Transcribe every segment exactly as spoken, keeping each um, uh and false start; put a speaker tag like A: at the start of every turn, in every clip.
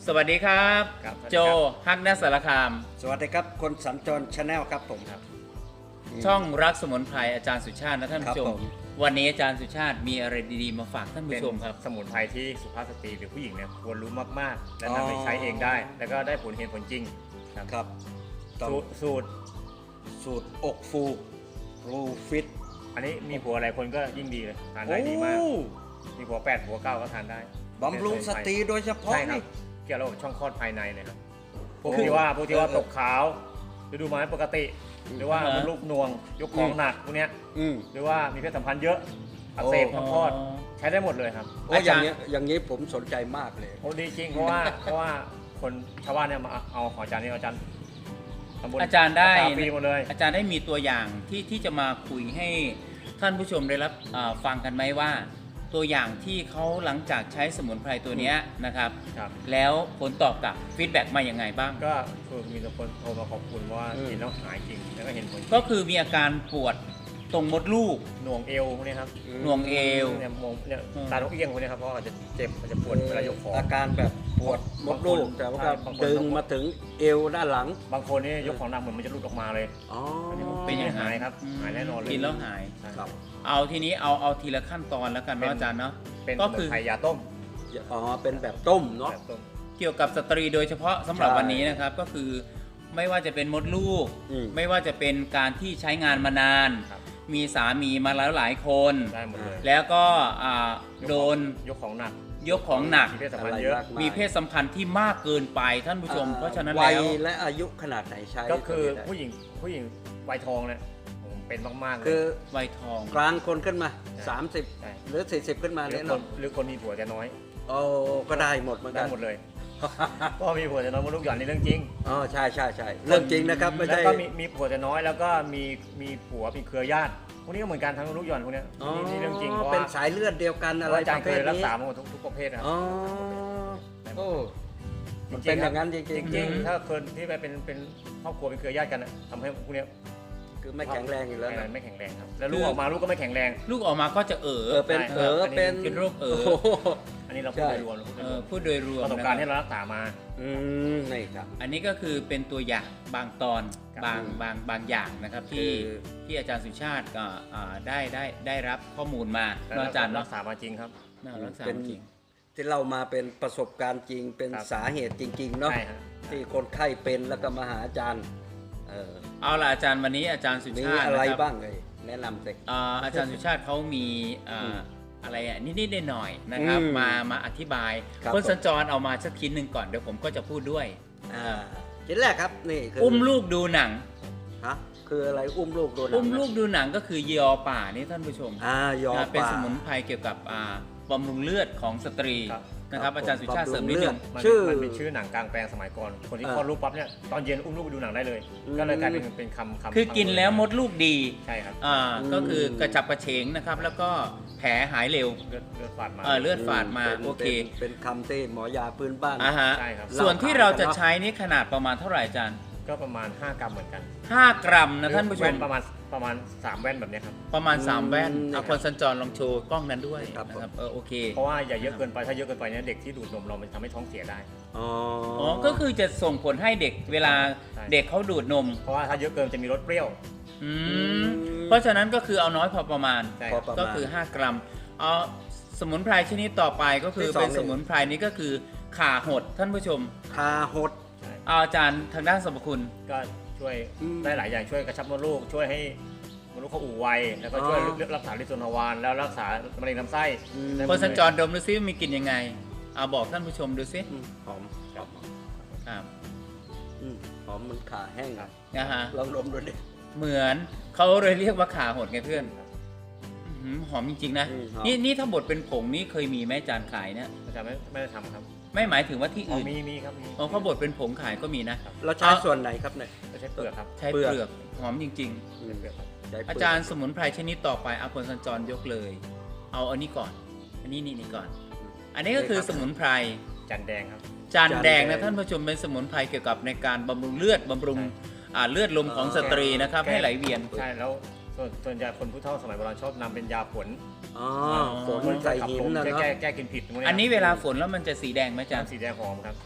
A: สวัสดีครับ
B: ครับ
A: โจฮักนัสสารคาม
C: สวัสดีครับคนสัญจรชาแนลครับผมครับ
A: ช่องรักสมุนไพรอาจารย์สุชาตินะท่านผู้ช
C: ครั
A: ม
C: บผม
A: วันนี้อาจารย์สุชาติมีอะไรดีๆมาฝากท่าน
B: เป็
A: ผู้
B: น
A: ชมครับ
B: สมุนไพรที่สุภาพสตรีหรือผู้หญิงเนี่ยควรรู้มากๆ และ
C: อ๋อ
B: นำไปใช้เองได้ แล้วก็ได้ผลเห็นผลจริงครับ
C: ครับต้อง
B: สูตรสูตร
C: สูตรอกฟูรูฟิต
B: อันนี้มีผัวหลายคนก็ยิ่งดีเลยทานได้ดีมาก มีผัวแปดผัวเก้าก็ทานได้
C: บำรุงสตรีโดยเฉพาะ
B: ใช่ครั
C: นี่
B: บเกี่ยวกับระบบช่องคลอดภายในเลยครับพวก
C: คือ
B: ที่ว่าพวกที่ว่า
C: เออ
B: ตกขาวฤดูไม้ปกติ หรือว่า
A: อ่าฮะ
B: มันลูกนวงยกของหนักพวกเนี้ย
C: อืม
B: หรือว่ามีเพศสัมพันธ์เยอะอักเสบ
C: โอ้
B: ช่องคลอดใช้ได้หมดเลยครับ
C: โอ้อย่างนี้ยอย่างนี้ผมสนใจมากเลย
B: โอ้ดีจริงเพราะว่าเพราะว่าคนชาวบ้านเนี่ยมาเอาของอาจารย์นี่อาจารย์ตำบล
A: อาจารย์ได้
B: รักษฟรีหมดเลย
A: อาจารย์ได้มีตัวอย่างที่ที่จะมาคุยให้ท่านผู้ชมได้รับอ่าฟังกันไหมว่า ตัวอย่างที่เขาหลังจากใช้สมุนไพรตัวเนี้ยนะครับ
B: ครับ
A: แล้วผลตอบกลับฟีดแบ็กมาอย่างไงบ้าง
B: ก็คือมีแต่คนโทรมาขอบคุณว่า
C: อืม
B: กินแล้วหายจริงแล้วก็เห็นผล
A: ก็คือมีอาการปวดตรงมดลูก
B: หน่วงเอวพวกนี้ครับ
A: หน่วงเอว
B: เนี่ยมองเนี่ย
A: อืม
B: ตาลกเอี้ยงพวกนี้ครับเพราะอาจจะเจ็บอาจจะปวดเวลายกของ
C: อาการแบบปวดมดลูก
B: บางคน
C: แต่ว่า
B: ใช่บางคน
C: ดึง
B: ต้อง
C: มาถึงเอวด้านหลัง
B: บางคนนี่ยกของหนักเหมือนมันจะหลุดออกมาเลย
C: อ๋อ
A: เป็นอย่าง
B: หายครับหายแน่นอนเลย
A: กินแล้วหาย
B: ใช่
C: ครับ
A: เอาทีนี้เอาเอาทีละขั้นตอนแล้วกันเนาะอาจารย์เนาะ
B: เป็นส
A: ก็
B: มุ
A: คื
B: น
A: อ
B: ไพรยาต้ม
C: อ๋อเป็นแบบต้มเนาะ
B: แบบต้ม
A: เกี่ยวกับสตรีโดยเฉพาะสำหรับ
C: ใช่
A: วันนี้นะครับก็คือไม่ว่าจะเป็นมดลูก
C: อืม
A: ไม่ว่าจะเป็นการที่ใช้งานมานาน
B: ครับ
A: มีสามีมาแล้วหลายคน
B: ได้หมดเลย
A: แล้วก็อ่าย
B: ก
A: โด
B: ของ
A: น
B: ยกของหนัก
A: ยกของหนัก
B: มีเพศสัม
C: อะ
B: พัน
C: ไร
B: ธ์เยอะ
C: มากาย
A: มีเพศสัมพันธ์ที่มากเกินไปท่านผู้ชม เพราะฉะนั้น
C: วัย
A: แล้ว
C: และอายุขนาดไหนใช้
B: ก็คือ
C: ตัวนี้ได้
B: ผู้หญิงผู้หญิงวัยทองเนี่ยผมเป็นมากๆเลย
C: คือ
A: วัยทอง
C: กลางคนขึ้นมา
B: ใช่
C: สามสิบ
B: ใช่
C: หรือสี่สิบขึ้นมา
B: หรือ
C: เนี่ย
B: คน
C: เนาะ
B: หรือคนมีผัวแต่น้อย
C: โอ้ก็ได้หมดเหมือน
B: ได้
C: กัน
B: หมดเลย ก็มีผัวแต่น้อยมดลูกหย่อนนี่เรื่องจริง
C: อ๋อใช่ใช่ใช่เรื่องจริงนะครับไม่
B: แล้ว
C: ใช่
B: ก็มีมีผัวแต่น้อยแล้วก็มีมีผัวมีเครือญาติพวกนี้ก็เหมือนกันทั้งลูกหย่อนพวกเนี้ย
C: อ๋อ
B: นี่นี่เรื่องจริงเพราะ
C: เป็น
B: ว่า
C: สายเลือดเดียวกัน
B: เพ
C: อะ
B: ราะ
C: ไร
B: ว่าอาจาร
C: ป
B: ย์
C: ระ
B: เค
C: เภ
B: ย
C: ท
B: รัก
C: นี้
B: ษามาหมดทุกทุกประเภทนะครับ
C: อ๋อโอ้มันเป็นอย่างนั้นจริง
B: จริง
C: ๆ
B: จริงๆถ้าคนที่ไปเป็นเป็นครอบครัวเป็นเครือญาติกันน่ะทำให้พวกเนี้ย
C: คือไม่แข็งแรงอยู่แล้วนะ
B: ไม่แข็งแรงครับแล้วลูกออกมาลูกก็ไม่แข็งแรง
A: ลูกออกมาก็จะเอ๋อ
C: เออเป็น
B: ใช่
C: เออเป็น
A: เป็นโรคเอ๋อ
C: โโห
B: อันนี้เราพูด
C: ใช่
B: โดยรวมเราพูดโด
A: เอย
B: ร
A: อ
B: วม
A: พูดโดยรวม
B: ประสบ
A: นะค
B: การ
A: รับ
B: ณ์ที่เรารักษามา
C: อืมนี่ครับ
A: อันนี้ก็คือเป็นตัวอย่างบางตอน
B: ครับ
A: บางบางบางอย่างนะครับที่
C: คือ
A: ที่อาจารย์สุชาติก็อ่าได้ได้ได้รับข้อมูลมา
B: แล้ว
A: เนาะอาจารย์
B: รั
A: เนาะ
B: กษามาจริงครับ
A: น่ารักษา
C: เป็น
A: จริง
C: ที่เรามาเป็นประสบการณ์จริงเป็น
B: ครับ
C: สาเหตุจริง ๆ เนาะ
B: ใช่ฮะ
C: ที่คนไข้เป็นแล้วก็มาหาอาจารย์เออ
A: เอาล่ะอาจารย์วันนี้อาจารย์สุ
C: มี
A: ชาติ
C: อะไร
A: นะครับ
C: บ้างเลยแนะนำสิ
A: อ่าอาจารย์สุชาติเขามีอ่า
C: อืม
A: อะไรอ่ะนิดๆหน่อยๆนะครับ
C: อืม
A: มามาอธิบาย
C: ครับ
A: คน
C: ผม
A: สัญจรเอามาสักชิ้นหนึ่งก่อนเดี๋ยวผมก็จะพูดด้วย
C: อ่าชิ้นแรกครับนี่คือ
A: อุ้มลูกดูหนัง
C: ฮะคืออะไรอุ้มลูกโดนหนัง
A: อุ้มลูกดูหนังก็คือยอป่านี่ท่านผู้ชม
C: อ่ายอ
A: นะเป็น
C: ป่า
A: สมุนไพรเกี่ยวกับอ่าบำรุงเลือดของสตรี
B: ครับ
A: นะครับ
C: ครับ
A: อาจารย์สุชาติ
C: บำรุง
A: เสริมนิดนึง
C: เลือด
B: มัน
C: ชื่อ
B: มันเป็นชื่อหนังกลางแปลงสมัยก่อน คนที่
C: อ่า
B: คลอดลูกปั๊บเนี่ยตอนเย็นอุ้มลูกไปดูหนังได้เลย
C: อืม
B: ก็เลยกลายเป็นเป็นคำคำ
A: คือกินแล้วมดลูกดี
B: ใช่ครับ
A: อ่า
C: อืม
A: ก็คือกระจับกระเฉงนะครับ แล้วก็แผลหายเร็ว
B: เลือดเลือดฝาดมา
A: เออเลือด ฝาดมา
C: ป็น
A: โอเค
C: ป็นเป็นคำที่หมอยาพื้นบ้าน
A: อ่าฮะ
B: ใช่ครับ
A: ส่วนที่
C: เรา
A: เรา
C: ขายกัน
A: จะ
C: เนอะ
A: ใช้นี่ขนาดประมาณเท่าไหร่อาจารย์
B: ก็ประมาณห้ากรัมเหมือนกัน
A: ห้ากรัมนะท่านผู้ช
B: แว่
A: ม
B: ประมาณประมาณสามแว่นแบบเนี้ยครับ
A: ประมาณสามแว่น
C: อืม
A: เอาคนสัญจรลองโชว์กล้องนั้นด้วย
C: ครับ
A: นะครับเออโอเค
B: เพราะว่าอย่าเยอะเกินไปถ้าเยอะเกินไปเนี่ยเด็กที่ดูดนมเรามันทำให้ท้องเสียได้
C: อ๋อ
A: อ๋อก็คือจะส่งผลให้เด็กเวลา
B: ใช่
A: เด็กเขาดูดนม
B: เพราะว่าถ้าเยอะเกินจะมีรสเปรี้ยว
A: อืมเพราะฉะนั้นก็คือเอาน้อยพอประมาณ
B: ใช่
C: พ
B: ค
C: อ
B: รับ
C: ประมาณ
A: ก็คือห้ากรัมเอาสมุนไพรชนิดต่อไปก็คือ
C: ที่สอง
A: เป็นสมุนไพรนี้ก็คือข่าหดท่านผู้ชม
C: คาหด
B: ใช่
A: เอาอาจารย์ทางด้านสรรพคุณ
B: ก็ช่วย
C: อืม
B: ได้หลายอย่างช่วยกระชับมดลูก ช่วยให้มดลูกเขาอู่ไวแล้วก็ช่วย
C: อ๋อ
B: รักษาลิโซนาวานแล้วรักษามะเร็งลำไส้
C: อืม
B: ได้หม
A: ค
B: ด
A: นสัญจรดมดูซิมีกลิ่นยังไงเอาบอกท่านผู้ชมดูซิ
C: อืมหอม
B: ครับ
A: ครับ
C: อืมหอมเหมันขาแห้ง
B: ครับ
A: นะฮะ
C: ลองดมดูดิ
A: เหมือนเขาเลยเรียกว่าข่าหดไงเพื่อนอื้อหือหอมจริงๆนะ
C: อืมหอม
A: นี่นี่ถ้าบดเป็นผงนี่เคยมีไหมอาจารย์ขายเนี่ย
B: อาจารย์ไม่ไม่ได้ทำครับ
A: ไม่หมายถึงว่าที่
B: อ๋อ
A: อื่น
B: มีมีครับมี
A: อ๋อเขาบดเป็นผงขายก็มีนะ
C: เราใช้ส่วนไหนครับเนี่ย
B: ไม่ใช่เปลือกครับ
A: ใช้
C: เปลื
A: เป
C: อก
A: ลือกหอมจริง
C: อืม
B: เปลือกครับ
C: ใช้
A: ๆ
C: เปลืก
A: อาจารย์สมุนไพรชนิดต่อไปเอาคนสัญจรยกเลย เอาอันนี้ก่อน อันนี้นี่นี่ก่อน อันนี้ก็คือสมุนไพร
B: จันแดงครับ
A: จานแดงนะท่านผู้ชมเป็นสมุนไพรเกี่ยวกับในการบำรุงเลือดบำรุง
B: ใช่
A: อ่าเลือดลมของสตรีนะครับให้ไหลเวียน
B: ใช่แล้วส่วนส่วนใหญ่คนผู้เฒ่าสมัยโบราณชอบนำเป็นยาฝน
C: อ๋อ
A: อ๋อ
C: ฝนใส่หินนะ
B: แก้
C: เนาะ
B: แก้แก้กินผิดพวกเย
A: อันนี้เวลาฝนแล้วมันจะสีแดงไหมอาจารย์
B: สีแดงหอมครับ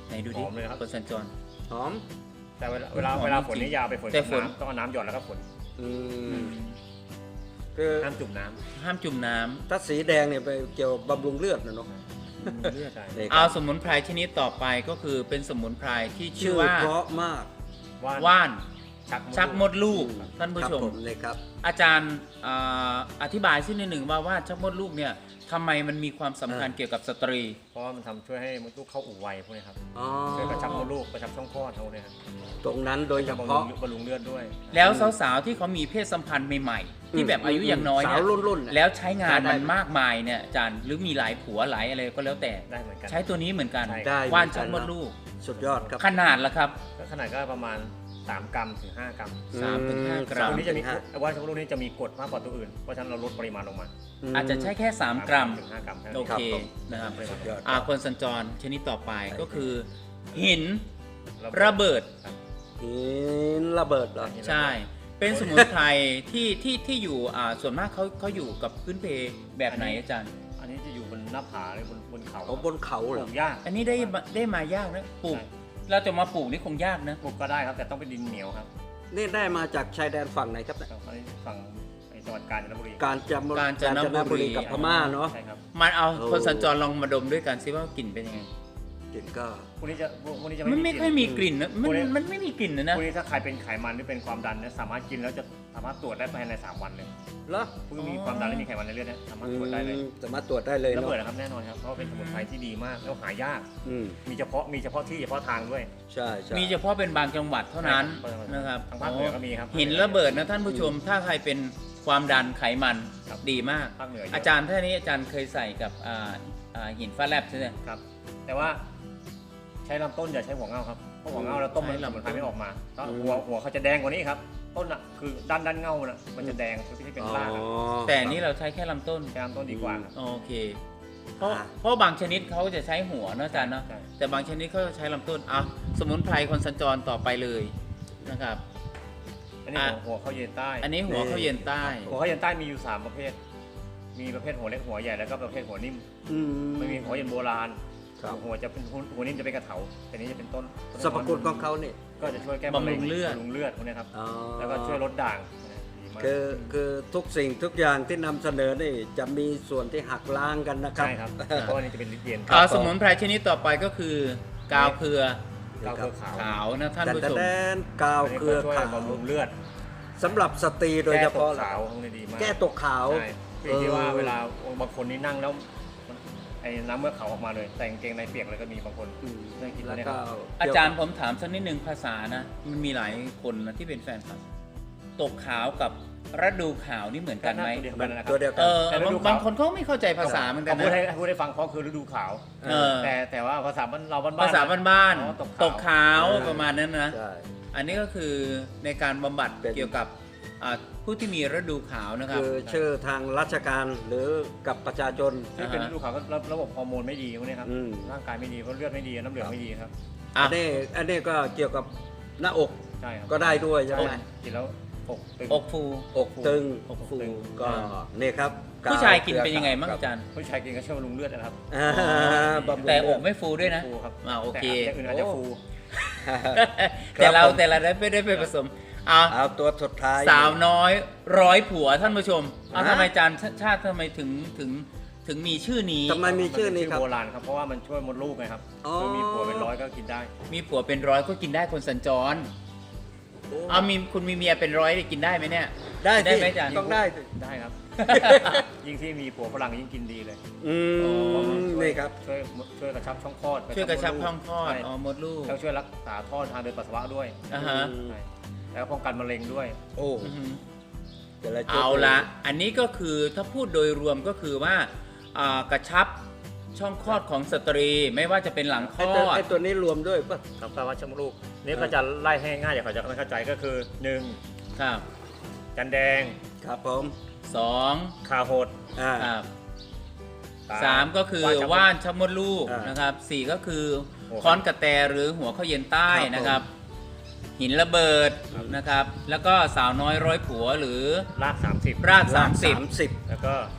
A: ไหนดูดิ
B: หอมเลยครับ
A: คนสัญจร
C: หอม
B: แต่เวลาเวลา
A: หอม
B: เวลา
A: จริง
B: ฝนนี่อยาไปฝน
A: แต่
B: กับ
A: ฝน
B: น้ำต้องเอาน้ำหยดแล้วก็ฝน
C: อืมคือ
B: ห้ามจุ่มน้
A: ห้ามจุ่มน้ำ
C: ถ้าสีแดงเนี่ยไปเกี่ยวบำรุงเลือดนะเนาะ
B: ำเลือดใช่
C: นี่ค
A: เอา
C: รับ
A: สมุนไพรชนิดต่อไปก็คือเป็นสมุนไพรที่ชื่
C: ชื่
A: อ
C: อ
A: ว่า
C: เพราะมาก
B: ว่าน
A: ว่าน
B: ชัก
A: ชักมดลูก
C: อืม
A: ท่านผู้
C: ครับ
A: ชม
C: ผมเลยครับ
A: อาจารย์อ่าอธิบายสักนิดหนึ่งว่าว่านชักมดลูกเนี่ยทำไมมันมีความสำคัญ
C: อ่า
A: เกี่ยวกับสตรี
B: เพราะว่ามันทำช่วยให้มดลูกเข้าอู่ไวพวกนี้ครับ
C: อ๋อ
B: ช่วยกระชับมดลูกกระชับช่องคลอดเขาเนี่ยครับ
C: ตรงนั้นโดยเฉ
B: จะบำรุ
C: พาะ
B: งบำรุงเลือดด้วย
A: แล้วสาวๆที่เขามีเพศสัมพันธ์ใหม่ๆ ที่แบบอายุยังน้อย
C: สา
A: เนี่
C: วย รุ่นๆน่ะ
A: แล้วใช้งาน
C: ได้
A: มัน
C: ไหม
A: มากมายเนี่ยอาจารย์หรือมีหลายผัวหลายอะไรก็แล้วแต่
B: ได้เหมือนกัน
A: ใช้ตัวนี้เหมือนกัน
B: ใช่
C: ได้
A: ว่าน
C: เหมือนกัน
A: ชักมดลูก
C: สุดยอดครับ
A: ขนาดละครับ
B: ก็ขนาดก็ประมาณสามกรัมถึงห้ากรัม
A: สามถึงห้า
C: อื
A: กรัม
B: ตัวนี้จะมี
C: สามถึงห้า
B: ว่านชักมดลูกนี้จะมีกรดมากกว่าตัวอื่นเพราะฉะนั้นเราลดปริมาณลงมา
C: ม
A: อาจจะใช้แค่สามกรัม
B: ถึงห้ากรัมท่านั้น
A: โอ
B: เอง
A: เค
C: ครับผม
A: นะครับ
C: สุดยอด
A: อ่าคนสัญจรชนิดต่อไปก็คือหิน
B: แล้ว
A: ระเบิด
C: หินระเบิดเหรอ
B: หินระเบิด
A: ใช่ เป็นสมุนไพรที่ที่ที่อยู่อ่าส่วนมากเขาเขาอยู่กับพื้นเพแบบไหนอาจารย์
B: อันนี้จะอยู่บนหน้าผาหรือบนบนเขา
C: เขาบนเขา
B: ป
C: เหร
B: ลู
C: อ
B: กยาก
A: อันนี้ได้มาได้มายากนะปลูก
B: ใช่
A: เราจะมาปลูกนี่คงยากนะ
B: ปลูกก็ได้ครับแต่ต้องเป็นดินเหนียวครับ
C: นี่ได้มาจากชายแดนฝั่งไหนครับเนี่ย
B: อันนี้ฝั่งไอ้จังหวัดกาญจนบุรี
C: กาญจนบุรี
A: กาญจนบุรี
C: กับพม่าเนาะ
B: ใช่ครับ
A: มันเอา
C: โอ้
A: คนสัญจรลองมาดมด้วยกันซิว่ากลิ่นเป็นยังไง
C: กลิ่นก็
B: พวกนี้จะพวกนี้จะ
A: มัน
B: ไม่
A: ไม่ค่อยมีกลิ่นนะมัน
B: พวกนี้
A: มันไม่มีกลิ่นนะนะ
B: พวกนี้ถ้าใครเป็นไขมันหรือเป็นความดันเนี่ยสามารถกินแล้วจะสามารถตรวจได้ภายในสามวันเลย
C: เหรอ
B: ผู้มีความดันและมีไขมันในเลือดเนี่ยสามารถตรวจได้เลย
C: อืมสามารถตรวจได้เลย
B: ระ
C: เนาะ
B: เบิดนะครับแน่นอนครับเพราะว่าเป็นสมุนไพรที่ดีมากแล้วหายาก
C: อืม
B: มีเฉพาะมีเฉพาะที่เฉพาะทางด้วย
C: ใช่ใช่
A: มีเฉพาะเป็นบางจังหวัดเท่านั้น
B: ใช่ครับ
A: นะครับ
B: ทางภาคเหนือก็มีครับ
A: หินระเบิดนะท่านผู้ชม ถ้าใครเป็นความดันไขมัน
B: ครับ
A: ดีมาก
B: ภาคเหนือเยอะ
A: อาจารย์ท่านนี้อาจารย์เคยใส่กับอ่าอ่าหินฟ้าแลบใช่ไหม
B: ครับ แต่ว่าใช้ลำต้นอย่าใช้หัวเงาครับเพราะหัวเงาเราต้มมัน
A: ใช้
B: ส
A: ลำต้น
B: มุนไพรไม่ออกมาแล้วหัวหัวเขาจะแดงกว่านี้ครับต้นอ่ะคือด้านด้านเงาน่ะมันจะแดงคือที่เป็นรากอะ
A: แต่อันนี้เราใช้แค่ลำต้น
B: ใช้ลำต้นดีกว่าครับ
A: โอเค เพราะ
C: อ่า
A: เพราะบางชนิดเขาจะใช้หัวเนอะอาจารย์เนาะ
B: ใช่
A: แต่บางชนิดเขาจะใช้ลำต้นเอาสมุนไพรคนสัญจรต่อไปเลยนะครับ
B: อันนี้
A: อ่ะ
B: หัวหัวข้าวเย็นใต้
A: อันนี้หัวข้าวเย็นใต้
B: หัวข้าวเย็นใต้มีอยู่สามประเภท มีประเภทหัวเล็กหัวใหญ่แล้วก็ประเภทหัวนิ่ม
C: อืม
B: มันมีหัวเย็นโบราณ
C: ครับ
B: หัวจะเป็นหัวนิ่มจะเป็นกระเถาแต่นี้จะเป็นต้น
C: สรรพคุณของเขาเนี่ย
B: ก็จะช่วยแก้
A: บำรุงเลือด
B: บำรุงเลือดพวกนี้ครับ
C: อ๋อ
B: แล้วก็ช่วยลดด่างดีมาก
C: คือคือทุกสิ่งทุกอย่างที่นำเสนอนี่จะมีส่วนที่หักล้างกันนะครับ
B: ใช่ครับ เพราะว่านี่จะเป็นลิตรเย็น
A: อ่าสมุนไพรชนิดต่อไปก็คือกาวเครือ
B: เกาเครือขาว
A: ขาวนะท่าน
C: แต่
A: ผู้
C: แต่
A: ชม
C: แดนกาว
B: อันนี้
C: เครือ
B: ก็ช่วย
C: ขาว
B: บำรุงเลือด
C: สำหรับสตรีโดยเฉพาะ
B: แก้ตกขาวพวกนี้ดีมาก
C: แก้ตกขาว
B: ใช่พี่ที่ว่าเวลาบางคนนี่นั่งแล้วมันไอ้น้ำเมื่อกเขาออกมาเลย แต่กางเกงในเปียกเลยก็มีบางคน
C: อืม
B: ได้กิน
C: แล้ว
B: เนี่ย
C: ก็
A: อาจารย์ผมถามสักนิดหนึ่งภาษานะ มันมีหลายคนนะที่เป็นแฟนคลับตกขาวกับฤดูขาวนี่เหมือนกันไหม
B: ตัวเดียวกันนะครั
C: ตัวเดียว
A: เอ
C: กัน
A: อบางบางคนเขาไม่เข้าใจภาษาเหมือนกัน
B: พูด
A: นะ
B: ให้พูดให้ฟังเพราะคือฤดูขาว
A: เออ
B: แต่แต่ว่าภาษาบ้านเราบ้านๆ
A: ภาษาบ้าน
B: อ๋อ
A: ๆตกขาว
C: เออ
A: ประมาณนั้นนะ
C: ใช่
A: อันนี้ก็คือในการบำบัด
C: เป็น
A: เกี่ยวกับอ่าผู้ที่มีฤดูขาวนะครับ
C: คือชื่อทางราชการหรือกับประชาชน
B: ที่เป็นฤดูขาวก็ระระบบฮอร์โมนไม่ดีพวกนี้ครับ
C: อืม
B: ร่างกายไม่ดีเพราะเลือดไม่ดีน้ำเหลืองไม่ดีครับ
A: อ่ะ
C: อันนี้อันนี้ก็เกี่ยวกับหน้าอก
B: ใช่ครับ
C: ก็ได้ด้วยใช่
B: ใช่
C: ไหม
B: กินแล้วอกตึง
A: อกฟู
C: อกตึง
B: อกฟู
C: ฟูก็นี่ครับ
A: ผู้ชายกินเป็นยังไงบ้าง
C: ครับ
A: อาจารย์
B: ผู้ชายกินก็ช่วยบำรุงเลือดนะครับ
C: อ่าบำรุง
A: แต่อก
C: เลืด
A: ไม่ฟูด้วยนะ
B: ฟูครับ
A: อ่าโอเค
B: แต่อย่างอื่นอาจจะฟู
A: แต่เรา
C: ครับผม
A: แต่เราได้ไม่ได้ไปผสมเอา
C: เอาตัวสุดท้าย
A: สาวน้อยร้อยผัวท่านผู้ชมเอา
C: ฮะ
A: ทำไมอาจารย์ชาชาติทำไมถึงถึงถึงมีชื่อนี้
C: ทำไมมีชื่อนี้ครับ
B: โบราณครับเพราะว่ามันช่วยมดลูกไงครับ
C: อ๋อ
B: คือมีผัวเป็นร้อยก็กินได้
A: มีผัวเป็นร้อยก็กินได้คนสัญจร เอามีคุณมีเมียเป็นร้อยได้กินได้ไหมเนี่ย
C: ได้
A: ได้
C: สิ
A: ไหมอาจารย์
C: ต้องได้สิ
B: ได้ครับ ยิ่งที่มีผัวฝรั่งยิ่งกินดีเลย
C: อืมนี่ครับ
B: ช่วยช่วยกระชับช่องคลอด
A: ช่วยกระชับห้องคลอด
B: ใช่
A: อ๋อมดลูก
B: แล้วช่วยรักษาท่อทางเดินปัสสาวะด้วย
A: อ่าฮะ
B: ใช่แล้วป้องกันมะเร็งด้วย
C: โอ้
A: อือหือ
C: แต่ละจุด
A: เอาละอันนี้ก็คือถ้าพูดโดยรวมก็คือว่าอ่ากระชับช่องคลอดของสตรีไม่ว่าจะเป็นหลังคล
C: ไอ้
A: อ
C: ตัว
A: ด
C: ไอ้ตัวนี้รวมด้วยป่ะ
B: ครับแปลว่าชมลูกนี่ก็จะไล่ให้ง่ายอย่างเขาจะไม่เข้าใจก็คือหนึ่ง
A: ครับ
B: จันแดง
C: ครับผม
A: สอง
B: ขาหด
C: อ่า
A: ครับสามก็คือ
B: ชักมด
A: ว่านชักมดลูก
C: อ่าน
A: นะครับสี่ก็คือ
B: หัว
A: ค้อนกระแตหรือหัวข้าวเย็นใต้
C: ครับผม
A: นะครับ หินระเบิด
B: ครับ
A: นะครับ แล้วก็สาวน้อยร้อยผัวหรือ
B: รากสามสิบ
A: รากสามสิบ
C: สามสิบ
B: แล้วก็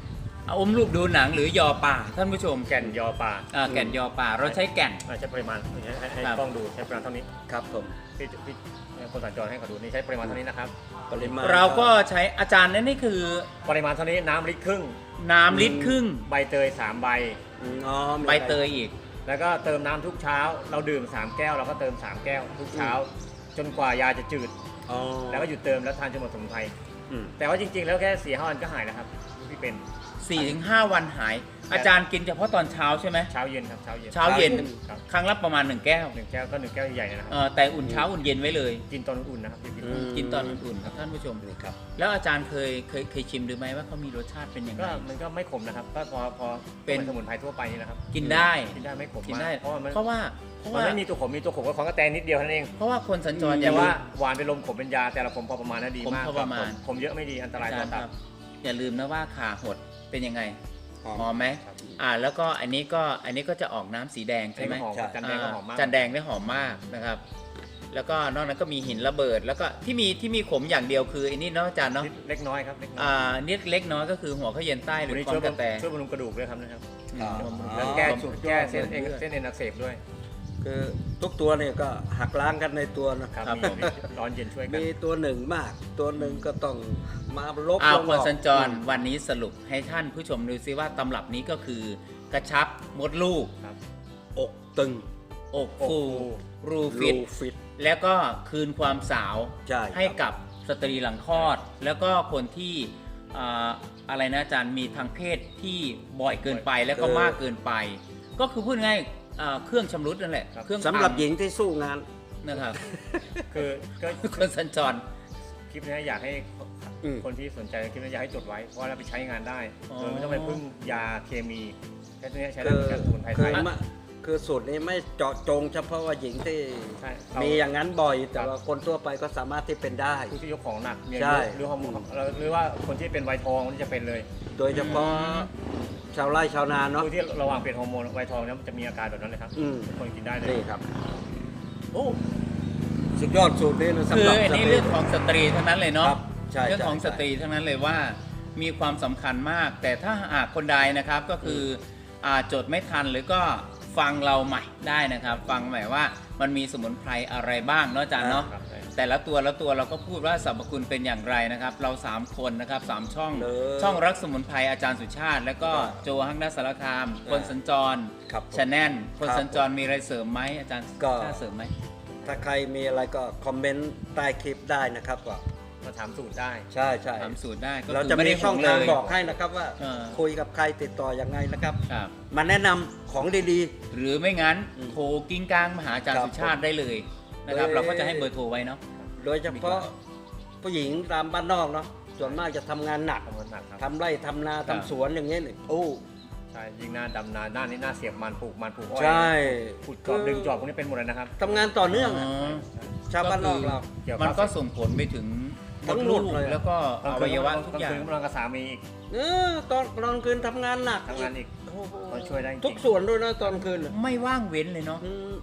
A: อมรูปดูหนังหรือยอป่าท่านผู้ชม
B: แก่นยอป่า
A: อ่าแก่นยอป่าเราใช้แก่น
B: อ่าใช้ปริมาณให้ให้ให้
A: ครับ
B: กล้องดูใช้ปริมาณเท่านี้
C: ครับผม
B: พี่พี่คนสัญจรให้เขาดูนี่ใช้ปริมาณเท่านี้นะครับ
C: ปริมาณ
A: เราก็ใช้อาจารย์นั่นนี่คือ
B: ปริมาณเท่านี้น้ำลิตรครึ่ง
A: น้ำลิตรครึ่ง
B: ใบเตยสามใบ
C: อืมอ๋อมี
A: ใบเตยอีก
B: แล้วก็เติมน้ำทุกเช้า เราดื่มสามแก้วเราก็เติมสามแก้วทุกเช้า จนกว่ายาจะจืด
C: อ๋อ
B: แล้วก็หยุดเติมแล้วทานจนหมดสมุนไพร
C: อืม
B: แต่ว่าจริงๆ แล้วแค่สี่ห้าวันก็หายแล้วครับที่เป็น
A: สี่ถึงห้า วันหาย อาจารย์กินเฉพาะตอนเช้าใช่ไหม
B: เช้าเย็นครับเช้าเย็น
A: เช้าเย็น
B: ครับ
A: ครั้งละประมาณหนึ่งแก้ว
B: หนึ่งแก้วก็หนึ่งแก้วใหญ่ๆนะครับ
A: เออแต่อุ่นเช้าอุ่นเย็นไว้เลย
B: กินตอนอุ่นๆนะครับพี่
C: อืม
A: กินตอนอุ่นๆครับท่านผู้ชม
C: นี่ครับ
A: แล้วอาจารย์เคยเคยเคยชิมดูไหมว่าเขามีรสชาติเป็นยังไง
B: ก็มันก็ไม่ขมนะครับก็พอพอ
A: เป็น
B: สมุนไพรทั่วไปนี่นะครับ
A: กินได้
B: กินได้ไม่ขม
A: กิน
B: มาก
A: ได้
B: เพราะว่ามัน
A: เพราะว่าเพราะ
B: มัน
A: ว่า
B: ไม่มีตัวขมมีตัวขมก็ของกระแตนิดเดียวเท่านั้นเอง
A: เพราะว่าคนสัญจรอ
B: แต่
A: ย่าลื
B: ว่าม หวานเป็นลมขมเป็นยาแต่ละขมพอประมาณนั้นดี
A: ขม
B: มาก
A: พอประมาณ
B: ขมเยอะไม่ดีอันตราย
A: อาจา
B: ต่อ
A: รย์ค
B: ตั
A: รั
B: บบ
A: อย่าลืมนะว่าขาหดเป็นยังไง
C: หอม
A: หอมไหม
B: ครับ
A: อ่าแล้วก็อันนี้ก็อันนี้ก็จะออกน้ำสีแดง
B: อัน
A: ใช่
B: นี้
A: ไหม
B: ก็หอม
C: ใช่
B: จันแดงก็หอมมาก
A: จันแดงได้หอมมากนะครับ แล้วก็นอกนั้นก็มีหินระเบิด แล้วก็ที่มีที่มีขมอย่างเดียวคือไอันนี้เนาะอาจารย์เนาะ
B: นิดเล็กน้อยครับเล็กน้อย
A: อ่านิดเล็กน้อยก็คือหัวข้าวเย็นใต้หรื
B: วัน
A: อ
B: นี้
A: ควา
B: ช่วย
A: มกระแต
B: ช่วยบำรุงกระดูกด้วยครับนะครับ
C: อ๋อ
B: แล้วแก้
A: สุดยอด
B: แก้เส้น
A: สุด
B: เอ็น
A: ยอด
B: เส้นเอ็นอักเสบด้วย
C: คือทุกตัวเนี่ยก็หักล้างกันในตัวนะครับ
A: ครับ
B: มี
A: ผม
B: มีร้อนเย็นช่วยกัน
C: มีตัวหนึ่งมาก ตัวหนึ่งก็ต้องมาลบ
A: อ้าว
C: ลง
A: ค
C: อน อก
A: สัญจร
C: อืม
A: วันนี้สรุปให้ท่านผู้ชมดูซิว่าตำรับนี้ก็คือกระชับมดลูก
B: ครับ
C: อกตึง
A: อกฟู
B: อกฟู
A: รูฟิต
C: รูฟิต
A: แล้วก็คืนความสาว
C: ใช่
A: ให้
C: ครับ
A: กับสตรีหลังคลอด แล้วก็คนที่อ่าอะไรนะอาจารย์มีทางเพศที่บ่อยเกินไปแล้วก็มากเกินไป ก็คือพูดง่ายอ่าเครื่องชำรุดนั่นแหละ
B: ครับ
A: เครื่อง
C: สำหรับ
A: พัง
C: หญิงที่สู้งาน
A: นะครับ
B: คือก็
A: คนสัญจร
B: คลิปนี้อยากให้
C: อืม
B: คนที่สนใจคลิปนี้อยากให้จดไว้เพราะว่าเราไปใช้งานได้
A: อ๋อ
B: โดยไม่ต้องไปพึ่งยาเคมีแค่นี้ใช้ได้
C: คือ
B: เหมือนกันสมุนไพร
C: คื
B: ไท
C: อย มาคือสูตรนี้ไม่เจาะจงเฉพาะว่าหญิงที่
B: ใช่เรา
C: มีอย่างนั้นบ่อย แต่
B: ครับ
C: ว่าคนทั่วไปก็สามารถที่เป็นได้
B: ผู้ที่ยกของหนักมีอา
C: ใช่
B: ยุหรือฮอร์โมนหรือว่าคนที่เป็นวัยทองนี่จะเป็นเลย
C: โดยเฉพาะชาวไร่ชาวนาเนาะ
B: ผู้ที่ระหว่างเปลี่ยนฮอร์โมนวัยทองเนี่ยมันจะมีอาการแบบนั้นเลยครับ
C: อืม
B: ทุกคนกินได้เลย
C: นี่ครับ โอ้สุดยอดสูตรนี้นะสำ
A: คือ
C: หรับ
A: อันนี้
C: สต
A: เรื่องของสตรีเท่านั้นเลยเนาะ
C: ครับใช่
A: เรื่องของ
C: ใช่
A: สตรีเท่านั้นเลยว่ามีความสำคัญมาก แต่ถ้าหากคนใดนะครับก็คืออ่าจดไม่ทันหรือก็ฟังเราใหม่ได้นะครับ ฟังใหม่ว่ามันมีสมุนไพรอะไรบ้างเนาะอาจารย์เนาะ
B: ครับใช่
A: แต่ละตัวละตัวเราก็พูดว่าสรรพคุณเป็นอย่างไรนะครับ เราสามคนนะครับสามช่อง
C: เลย
A: ช่องรักสมุนไพรอาจารย์สุชาติ แล้วก็
C: ครับ
A: โจฮังนัสสารคาม คนสัญจร
C: ครับผม
A: ชาแนลคน
C: ครับ
A: สัญจรมีอะไรเสริมไหมอาจารย์
C: ก็
A: กล้าเสริมไหม
C: ถ้าใครมีอะไรก็คอมเมนต์ใต้คลิปได้นะครับว่า
B: มาถามสูตรได้
C: ใช่ใช่
A: ถามสูตรได้ก็
C: เรา
A: คือ
C: จะ
A: ไม่
C: มี
A: ได้
C: ช่อง
A: ห่ว
C: ทาง
A: เลย
C: บอกให้นะครับว่า
A: เออ
C: คุยกับใครติดต่อยังไงนะครับ
A: ครับ
C: มาแนะนำของดี
A: หรือไม่งั้น
C: อืม
A: โทรกิ้งก้างมาหาอาจารย์
C: ครับ
A: สุชาติได้เลยนะครับ
C: เอ้ย
A: เราก็จะให้เบอร์โทรไว้เนาะ
C: ๆ โดยเฉพาะผู้หญิงตามบ้านนอกเนาะส่วนมากจะทำงานหนัก
B: ทำงานหนักครับ
C: ทำไร่ทำนา
A: ครั
C: ทำ
A: บ
C: สวนอย่างเงี้ยนี่โอ้
B: ใช่ยิ่งหน้าดำนาหน้านี้หน้าเสียบมันปลูกมันปลูกอ้อย
C: ใช่
B: ขุดจอบดึงจอบพวกนี้เป็นหมดเลยนะครับ
C: ทำงานต่อเนื่อง
A: อ๋
C: อะ
A: อ
C: ชาวบ้านนอกเรา
B: เกี่ยวกับ
A: มันก็ส่งผลไปถึงม
C: ทั้
A: ด
C: งหม
A: ลู
C: ด
A: ก
C: เลยอะ
A: แล้วก็อวัยวะทุกอย่าง
B: กลางคืนกำลังกับสามีอีก
C: เออตอนตอนคืนทำงานหนัก
B: ทำงานอีก
C: โอ้โห
B: ก็ช่วยได้จริง
C: ทุกส่วนด้วยนะตอนคืนน่ะ
A: ไม่ว่างเว้นเลยเนาะ
C: อืม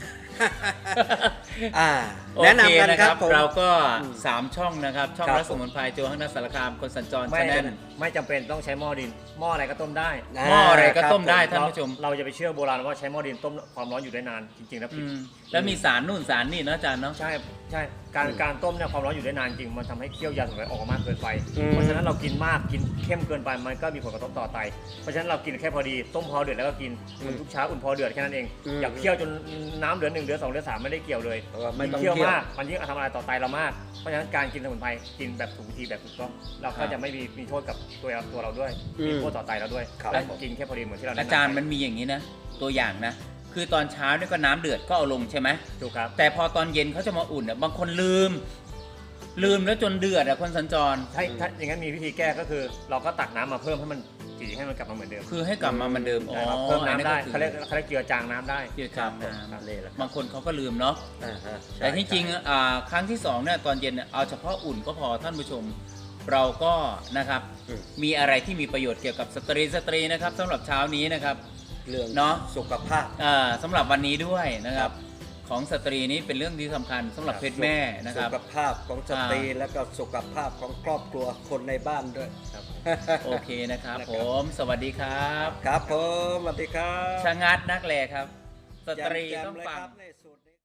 C: อ่า
A: โอ
C: แนะ
A: เคน
C: ำกัน
A: นะ
C: ค
A: ค
C: รั
A: รั
C: บบ ผม
A: เราก็
C: อืม
A: สามช่องนะครับ ช่อง
C: ครับ
A: รักสมุนไพรโจฮังนัสสารคามคนสัญจร
B: ไม่
A: ชาแนล
B: ไม่จำเป็นต้องใช้หม้อดิน หม้ออะไรก็ต้มได้
A: หม้ออะไรก็ต้มได้
C: ค
A: ท่าน
C: รับ
A: ผู้ชม
B: เราจะไปเชื่อโบราณว่าใช้หม้อดินต้มความร้อนอยู่ได้นานจริงๆแล้วผิ
A: อื
B: ด
A: มแล้วมีสารนู่นสารนี่เนาะอาจารย์เนาะ
B: ใช่ใช่การ
C: อืม
B: การต้มเนี่ยความร้อนอยู่ได้นานจริงมันทำให้เคี่ยวยาสมุนไพรออกมามากเกินไป
C: อืม
B: เพราะฉะนั้นเรากินมากกินเข้มเกินไปมันก็มีผลกระทบต่อไตเพราะฉะนั้นเรากินแค่พอดีต้มพอเดือดแล้วก็กินอุ่นทุกเช้าอุ่นพอเดือดแค่นั้นเอง
C: อืม
B: อย่าเคี่ยวจนน้ำเหลือหนึ่งเหลือสองเหลือสามไม่ได้เกี่ยวเลย
C: เพราะว่าไม่ต้อง
B: เคี่ยว
C: เคี่ยว
B: มากมันยิ่งทำอะไรต่อไตเรามากเพราะฉะนั้นการกินสมุนไพรกินแบบถูกวิธีแบบถูกต้องเราก็จะไม่มีมีโทษกับตัวเราตัวเราด้วยมีโทษต่อไตเราด้วย
C: ครับ
B: และกินแค่พอดีเหมือนที่เราแนะนำ
A: อาจารย์มันมีอย่างนี้นะ ตัวอย่างนะ คือตอนเช้าเนี่ยก็น้ำเดือดก็เอาลงใช่ไหม
B: ถูกครับ
A: แต่พอตอนเย็นเขาจะมาอุ่นเนี่ยบางคนลืม ลืมแล้วจนเดือดอะคนสัญจร
B: ถ้าถ้าอย่างนั้นมีวิธีแก้ก็คือ เราก็ตักน้ำมาเพิ่มให้มันจีให้มันกลับมาเหมือนเดิม
A: คือให้กลับมาเหมือนเดิมอ๋อ
B: นะครับเพิ่มน้ำได้
A: อั
B: เขาเรียกเขาเรียกเจือจางน้ำได้
A: เกี่ยวกับ
C: ครับ
A: น้ำ
C: นี่แหละครับ
A: บางคนเขาก็ลืมเนาะ
C: อ่าฮะใช่
A: แต่ที่จริง
C: ใช่
A: อ่าครั้งที่สองเนี่ยตอนเย็นเนี่ยเอาเฉพาะอุ่นก็พอท่านผู้ชม เราก็นะครับ
C: อืม
A: มีอะไรที่มีประโยชน์เกี่ยวกับสตรีสตรีนะครับสำหรับเช้านี้นะครับ
C: เรื่อง
A: เนาะ
C: สุขภาพ
A: อ่าสำหรับวันนี้ด้วยนะครับของสตรีนี้เป็นเรื่องที่สำคัญสำหรับเพศแม่นะครับ
C: สุขภาพของสตรีแล้วก็สุขภาพของครอบครัวคนในบ้านด้วย
B: ครับ
A: โอเคนะครับผมสวัสดีครับ
C: ครับผมสวัสดีครับ
A: ชะงัดนักแลครับ สตรี
C: แจ่มๆ
A: ต้อง
C: เลย
A: ฟัง
C: ครับในสูตรนี้